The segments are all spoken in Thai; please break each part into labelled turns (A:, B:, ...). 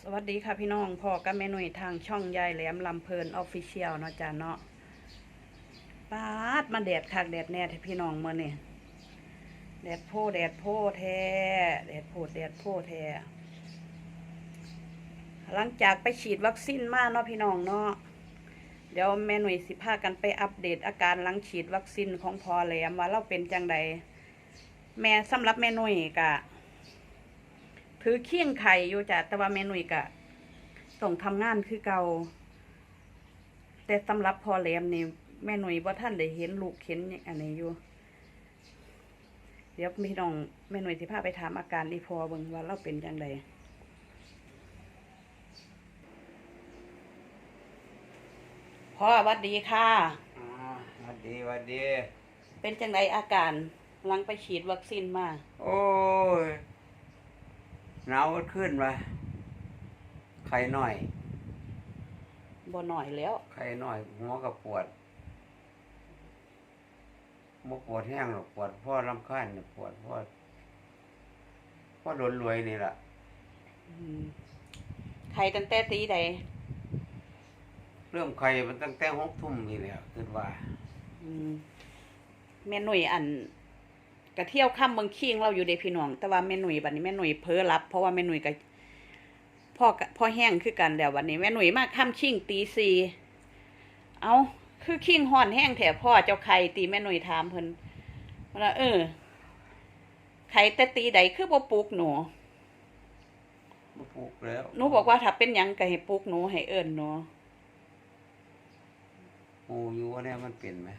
A: วัสดีค่ะพี่น้องพ่อกับแม่หนุ่ยทางช่องยายแหลมลำเพลินออฟฟิเชียลเนาะจ้าเนาะปาดมาแดดคักแดดแน่ที่พี่น้องมื่อนี่แดดโพแดดโพแท้แดดโพแดดโพแท้หลังจากไปฉีดวัคซีนมาเนาะพี่น้องเนาะเดี๋ยวแม่หนุ่ยสิพากันไปอัปเดตอาการหลังฉีดวัคซีนของพ่อแหลมว่าเราเป็นจังใดแม่สำหรับแม่หนุ่ยกะถือเคียงไข่อยู่จ้ะแต่ว่าแม่หนุ่ยกะต้องทำงานคือเก่าแต่สำหรับพ่อแหลมนี่แม่หนุ่ยว่าท่านได้เห็นลูกเห็นอันนี้อยู่เดี๋ยวพี่น้องแม่หนุ่ยสิพาไปถามอาการอีพอเบิ่งว่าเราเป็นจังไดพ่อวัดดีค่ะ
B: วัดดีวัดดี
A: เป็นจังไดอาการหลังไปฉีดวัคซีนมา
B: โอ้ยหนาวขึ้นมาไข้หน่อย
A: บ่หน่อยแล้ว
B: ไข้หน่อยหัวก็ปวดบ่ปวดแห้งหรอกปวดเพราะรำคาญเนี่ยปวดเพราะโดนรวยนี่แหละ
A: ไข่ตั้งแต่ตีใด
B: เริ่มไข้มันตั้งแต่6 ทุ่มนี่แหละคิดว่า
A: แม่หนุ่ยอันกะเที่ยวค่ำเมืองคิงเราอยู่เด้พี่น้องแต่ว่าแม่หนุ่ยบัดนี้แม่หนุ่ยเพ้อรับเพราะว่าแม่หนุ่ยกับพ่อแห้งคือกันแล้ววันนี้แม่หนุ่ยมาค่ำคิงตี 4เอาคือคิงห่อนแห้งแถพ่อเจ้าไข่ตีแม่หนุ่ยถามเพิ่นว่าไข่แต่ตีใดคือบ่ปลุกหนู
B: บ่ปลูกแล้ว
A: หนูบอกว่าถ้าเป็นหยังก็ให้ปลุกหนูให้เอิ้นหนู
B: โอ้อยู่ว่าเนี่ยมันเป็นไหม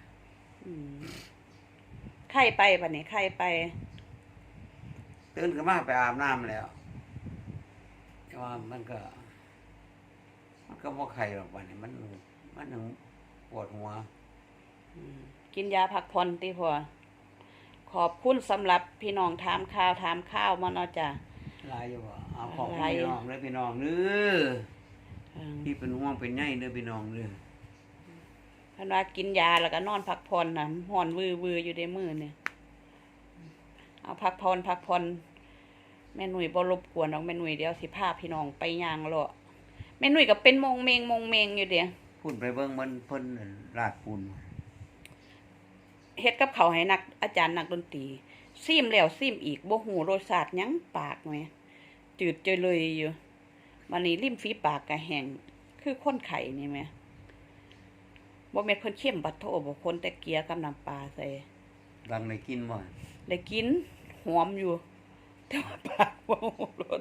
A: ไข่ไปบัดนี้ไข่ไป
B: ตื่นขึ้นมาไปอาบน้ำแล้วแต่ว่ามันก็บ่ไข้หรอกวันนี้มันยังปวดหัว
A: กินยาพักผ่อนติพอขอบคุณสำหรับพี่น้องถามข่าวมาเนาะจ้ะ
B: ลายอยู่บ่เอาของ
A: ลาย
B: พี่น้องเด้อพี่น้องเด้อที่เป็นห่วงเป็นใยเด้อพี่น้องเด้อ
A: เพิ่นว่ากินยาแล้วก็นอนพักผ่อนน่ะฮ้อนวืออยู่ในมือเนี่ยเอาพักผ่อนแม่หนุ่ยบ่รบกวนดอกแม่หนุ่ยเดี๋ยวสิพาพี่น้องไปย่างเลาะแม่หนุ่ยก็เป็นมงเมงอยู่เด้
B: พูดไปเบิ่งมันเพิ่นลาดปูน
A: เฮ็ดกับเขาวให้นักอาจารย์นักดนตรีซิมแล้วซิมอีกบ่ฮู้รสชาติหยังปากแหมจืดเจยเลยอยู่วันนี้ริมฝีปากก็แห้งคือคนไข้นี่แหมบ่แม่นเพิ่นเข้มบัดโทบ่คนแต่เกลียกับน้ำปลาใส่
B: ดังได้กินบ่
A: ได้กินหอมอยู่แต่ว่าปากบ่รส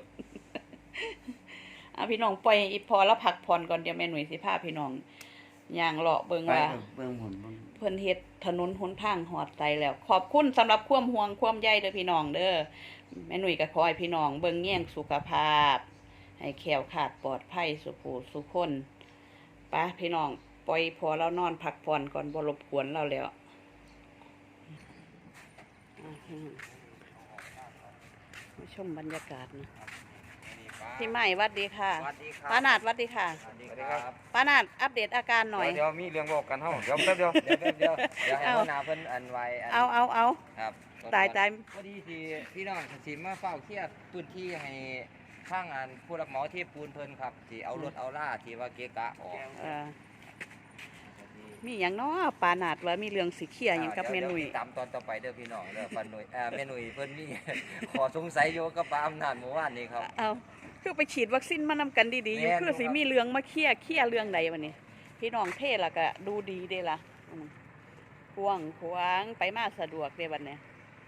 A: พี่น้องปล่อยอีพอแล้วพักผ่อนก่อนเดี๋ยวแม่หนุ่ยสิพาพี่น้องย่างเลาะเบิ่ง
B: ไป
A: ว่า
B: เบิ่งหุ่นเบิ่ง
A: เพิ่นเฮ็ดถนนหนทางหอดใจแล้ว ขอบคุณสำหรับความห่วงความใยเด้อพี่น้องเด้อแม่หนุ่ยก็ขอให้พี่น้องเบิ่งแย่งสุขภาพให้แคล้วคลาดปลอดภัยสุขสุขคนไปพี่น้องปล่อยพอแล้วนอนพักผ่อนก่อนบ่รบกวนเราแล้วมาชมบรรยากาศนะพี่ใหม่หวัดดีค่ะ
C: สวัสดีครับ
A: ป้านาดหวัดดีค่ะ
C: สวัสดีครับ
A: ป้านาดอัปเดตอาการหน่อย
C: เดี๋ยวมีเรื่องบอกกันเฮาเดี๋ยวแป๊บเดียวเดี๋ยวให้
A: เอา
C: หัวหน้าเพิ่นอันไว้อัน
A: เอา
C: ครับ
A: ตาย
C: พอดีที่พี่น้องสิมาเฝ้าเคลียร์พื้นที่ให้ทางอันผู้รับเหมาเทปูนเพิ่นครับที่เอารถเอาล่าที่ว่าเกะกะออก
A: มีอย่างเนาะปานาดว่ามีเรื่องสิเคลียร์หยังกับแม่หนุ่ย
C: ดี๋วติดตามตอนต่อไปเด้อพี่น้องเด้อปานหนุ่ยแม่หนุ่ยเพิ่นมี ขอสงสัยอยู่กับป้าอำนาจเมื่อวานนี้ครับ
A: เอาคือไปฉีดวัคซีนมานำกันดีๆอยู่
C: แม่น
A: คือสิ
C: ครับ
A: มีเรื่องมาเคลียร์เรื่องใดวันนี้ พี่น้องเทศละก็ดูดีเด้ล่ะกว้างขวางไปมาสะดวกเด้วันนี้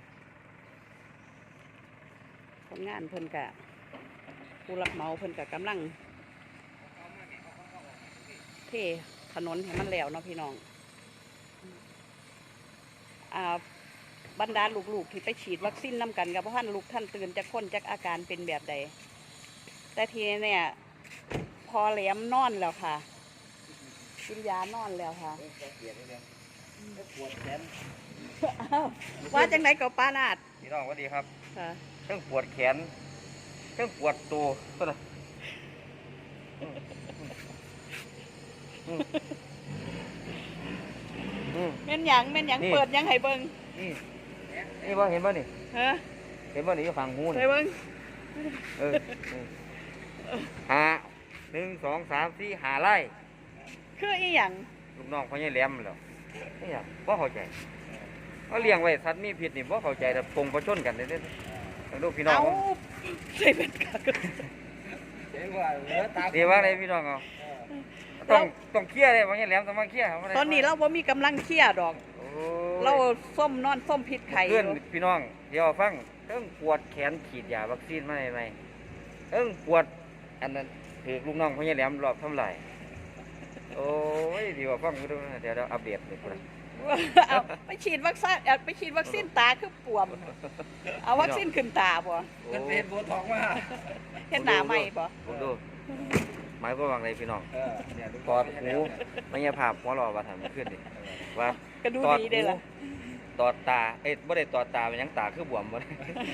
A: คนงานเพิ่นกะผู้รับเหมาเพิ่นกะกำลังเทถนนให้มันแล้วเนาะพี่น้องบรรดาลูกๆที่ไปฉีดวัคซีนนำกันกับท่านลูกท่านตื่นจากคนจากอาการเป็นแบบใดแต่ทีนี้เนี่ยพอแหลมนอนแล้วค่ะกินยานอนแล้วค่ะอ้าวว่าจังไหนกับป้านาด
C: พี่น้องสวัสดีครับ
A: ค่ะ
C: เครื่องปวดแขนเครื่องปวดตัวก็ได้
A: แม่นหยังเปิดหยังให้เบิ่ง
C: นี่บ่เห็นบ่นี่
A: ฮะ
C: เห็นบ่นี่อยู่ฝั่งหู
A: ใส่
C: นี่
A: เบิ่ง
C: เออหา 1 2 3 4 5ไร่
A: คืออีหยัง
C: ลูกน้องพ่อใหญ่แหลมแล้วนี่หยังบ่เข้าใจเขาเลี้ยงไว้สัตว์มีพิษนี่บ่เข้าใจแต่ปงประชนกันเด้อลูกพี่น้อง
A: เอา
C: ผม
A: ใส่เป็นกาก
C: ดีว่าอะไรพี่น้องเอาต้องเคลียร์เลยพ่อใหญ่แหลมต้องมาเคลียร์
A: ตอนนี้เราบ่มีกำลังเคลียร์ดอก
C: โอ้
A: เราส้มนอนส้มพิษไข่อ
C: เพื่อน
A: ยู่
C: พี่น้องเดี๋ยวฟังเอิ้งปวดแขนฉีดยาวัคซีนมาใหม่เอิ้งปวดอันนั้นถือลูกน้องพ่อใหญ่แหลมรอบทำลายโอ้ยดีว่าฟังดูนะเดี๋ยวอัปเดตเลยพุ่น
A: เอาไปฉีดวัคซีนตาคือปวม เอาวัคซีนขึ้นตาบ่
C: มันเป็นโบท็อกมา
A: เฮ็ดหน้าใหม่บ่
C: ผมดูหมายความว่าไงพี่น้อง
B: เนี่ย
C: ตอดหูไม่ใช่ภาพหัวเรอว่าทำขึ้นดิว่า
A: ก็ดู
C: ตอด
A: ดี
C: หู
A: ได้ล่ะ
C: ตอดตาบ่ได้ตอดตาเป็นหยังตาคือบวมบ่ได้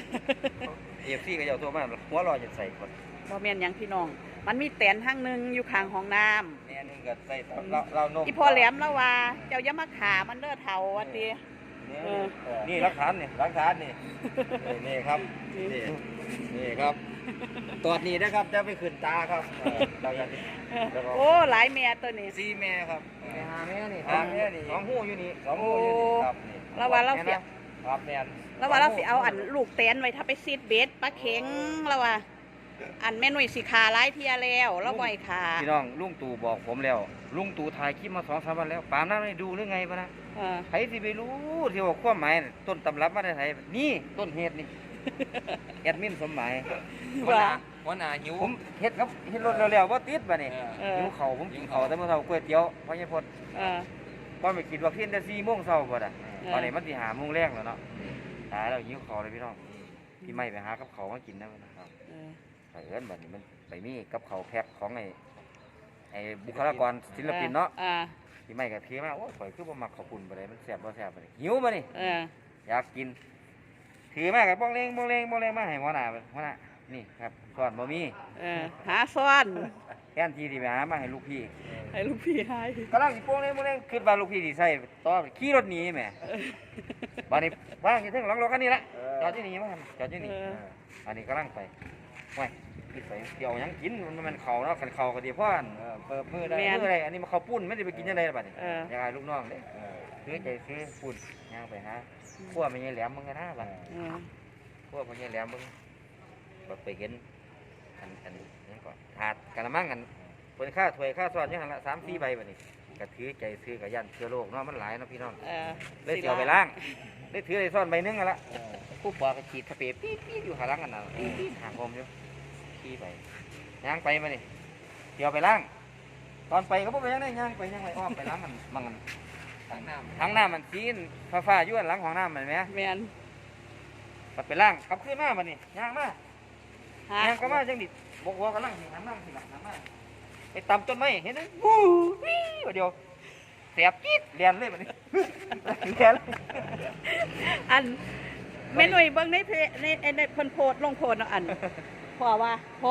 C: AFC ก็จะเอาตัวมาหัวเรอจะใส่คน
A: บ่แม่นหยังพี่น้อง มันมีแตนทางหนึงอยู่ข้างห้องน้ำ
C: แม่นึงก็ใส่เรานม
A: อีพ่อแหลมแล้วว่า เจ้าอย่ามาขามันเด้อเฒ่าว่าติ
C: นี่หลักฐานนี่นี่ครับนี่ครับตอดนี่นะครับจะไปขึ้นตาครับเราอย่าแล้วก็
A: โอ้หลายแม่ตัวนี้
C: 4แม่ครับ
B: หาแม่นี่
C: หาแม่นี่2หูอยู่นี่2หูอยู่นี่ครับนี่
A: แล้วว่าเราสิ
C: ครับแม่น
A: แล้วว่าเราสิเอาอันลูกแตนไว้ถ้าไปซีดเบ็ดปลาเข็งแล้วว่า อันแม่หนุ่ยสิขาหลายเที่ยแล้วแล้วบ่ให้ขา
C: พี่น้องลุงตู่บอกผมแล้วลุงตู่ถ่ายคลิปมา2-3 วันแล้วปามนั้นไม่ดูหรือไงปะนะ
A: เออ
C: ใครสิไปรู้ที่ว่าความหมายน่ะต้นตำรับมาได้ไสนี่ต้นเหตุนี่ แอดมินสมหมาย
A: ว่า
C: หัวหน้าหิวผมเฮ็ดครับเฮ็ดรถแล้วบ่ติดบัดนี้
A: เออ
C: หิวข้าวผมกินข้าวแต่มื้อเช้าก๋วยเตี๋ยวพ่อใหญ่พด
A: เออ
C: บ่ไปกินวัคซีนแต่4:00 นเช้าพุ่นน่ะ
A: เออ
C: ตอนนี้มันสิ5:00 นแรงแล้วเนาะตายแล้วหิวข้าวเลยพี่น้องพี่ไม่ไปหากับข้าวมากินนะครับ
A: เออ
C: เผอิญบัดนี้มันไปมีกับข้าวแพ็คของไอ้บุคลากรศิลปินเนาะ
A: อ่า
C: พี่ไม่ก็ถือมาโอ้ยข่อยคือบ่มักข้าวปุ้นบ่ได้มันแซ่บบ่แซ่บบ่ได้หิวมานี่
A: เออ
C: อยากกินถือมาก็บ้องเลงมาให้หัวหน้านี่ครับก่อนบ่มี
A: เออหาซ่อน
C: แทนที่สิไปหามาให้ลูกพี่
A: ให้ลูกพี่ให้
C: กำลังสิโป้งเลงคิดว่าลูกพี่สิใส่ต่อขี่รถหนีแหมบัดนี้ว่างอยู่เทึงหลังรถคันนี้ละจอดอยู่นี่มาจอดอยู่นี่อันนี้กำลังไปไว้พี่ใส่เดี๋ยวหยังกินมันเข้าเนาะกันเข้าก็ดีเพราะอันเปิดมือได้มืออะไรอันนี้มาเข้าปุ้นไม่ได้ไปกินจังได๋บัดนี้ยังไงลูกน้องเด้ซื้อใจซื้อปุ้นย่างไปหาขั้วมันยังแหลมมึงกันนะบัด
A: เออ
C: พวกมันยังแหลมมึงแบบไปเห็นอันนี้ก่อนถาดกะละมังกันเป็นค่าถ้วยค่าซ้อนยังหันละ3-4 ใบแบบนี้กะถือใจซื้อกะยันเชื้อโรคเนาะมันหลายเนาะพี่น้อง
A: เออ
C: เลยเสียวไปล้างเลยถือเลยซ้อนใบนึงกันละผู้ปอกกะฉีดสเปรย์ปี๊ดอยู่หาล้างกันน่ะปี๊ดห่างผมอยู่ขี่ไปย่างไปมานี่เสียวไปล้างตอนไปก็บ่ไปยังได้ย่างไปอ้อมไปล้างมันมังกันทั้งน้ำมันซีนฟ้าๆอยู่อันหลังของน้ำมันไหม
A: แม่น
C: ปัดไปล่างกลับขึ้นมาบัดนี้ย่างมา
A: หา
C: ย่างก็มาจังดิบอกว่ากำลังสิหันนั่งสิหลังหันมาไปตำต้นไม้เห็นไหมวู้วี่ว่าเดียวแสบจี๊ดเรียนเลยบัดนี้เรียนเลย
A: อันแม่หนุ่ยเบิ่งในเพจในเพิ่นโพสต์ลงโพสต์เนาะอันพ่อว่าพ่อ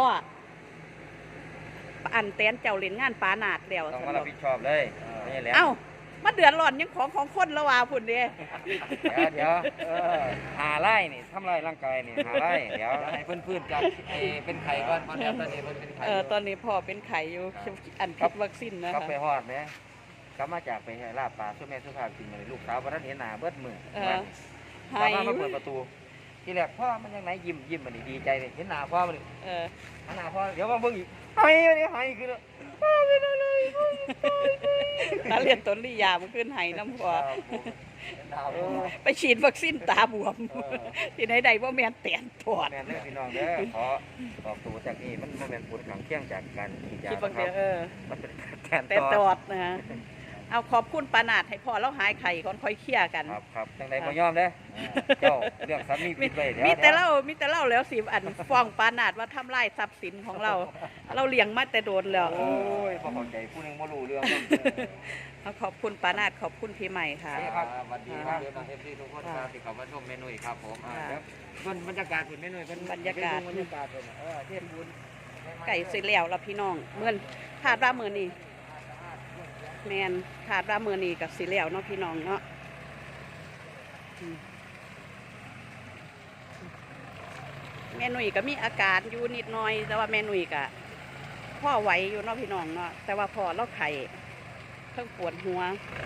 A: อันแตนเจ้าเล่นงานปานาดแล้ว
C: ต้อง
A: ซั่
C: มาน รั
A: ด
C: บอก ผิดชอบเลยไม่ใช่แหล้ว
A: เอ้ามาเดือดร้อนยังของคนแล้วว่าพุ่นเด้
C: เดี๋ยวหาไล่นี่ทำลายร่างกายนี่หาไล่เดี๋ยวให้เพื่อนๆจากเป็นไข่ก่อนเพราะตอนนี้เพิ่นเป็นไข่
A: ตอนนี้พ่อเป็นไข่อยู่อันผิดวัคซีนนะ
C: กลับ
A: คะ
C: ไปฮอดไหมกลับมาจากไปให้ลาบปลาช่วยแม่สุภาพกินมาเลยลูกสาววันนั้นเห็นหน้าเบิดมือ
A: ให้
C: มาเปิดประตูทีแรกพ่อมันยังไหนยิ้มมันนี่ดีใจเลยเห็นหน้าพ่อมันนี่
A: เออ
C: หน้าพ่อเดี๋ยวมาเบิ่งอีกหายเลยหายคือพ่อเป็นอะไร
A: ตาเรียนต้นลียามันขึ้นไห้น้ำพ่อไปฉีดวัคซีนตาบวมที่ไหนใดว่าแม่นแตนปอด
C: แม่เด้อพี่น้องเด้อขอบอกตัวจากนี้มันบ่แม่นผลข้างเคียงจากการฉีดยา
A: คิดบาง
C: ค
A: เดี
C: รั
A: ยว
C: มันเป็นแทน
A: แตนตอดนะฮะเอาขอบคุณปานาดให้พ่อแล้วหายไข่ก่อนค่อยเคลียร์กัน
C: ครับจังได๋บ่ยอมเด้อเจ้าเรื่องสามีผิดไว้เดี๋ยว
A: มีแต่เล่าแล้วสิอันฟ้องปานาดว่าทำลายทรัพย์สินของเรา เราเลี้ยงมาแต่โดนแล้ว
C: โอ้ยบ่เข้าใจผู้หนึงบ่รู้เรื่อง
A: เอาขอบคุณปานาดขอบคุณพี่ใหม่ค่ะ
C: ครับสวัสดีครับเอฟซีทุกคนครับที่เข้ามาชมเมนูครับผมเพิ่นบรรยากาศเพิ่นเมนูเพิ่นบรรยากาศเพิ่นเทพบุญ
A: ไก่สิแล้วละพี่น้องเมื่อนขาดรามือนี่แมนขาดรามือนี่กับสิแล้วเนาะพี่น้องเนาะแม่หนุ่ยก็มีอาการอยู่นิดหน่อย แต่ว่าแม่หนุ่ยก็พพ่อไหวอยู่เนาะพี่น้องเนาะแต่ว่าพอเราไข่เพิ่งปวดหัว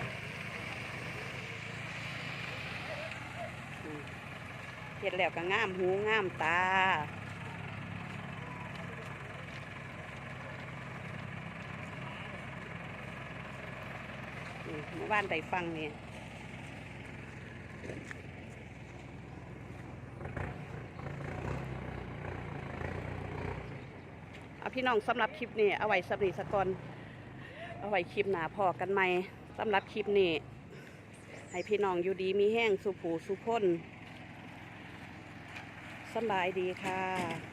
A: เห็ดแล้วก็ง่ามหูง่ามตาหมู่บ้านใดฟังนี่เอาพี่น้องสำหรับคลิปนี้เอาไว้สำนีสกอนเอาไว้คลิปหนาพอกันไหมสำหรับคลิปนี้ให้พี่น้องอยู่ดีมีแห้งสุผูสุพ้นสบายดีค่ะ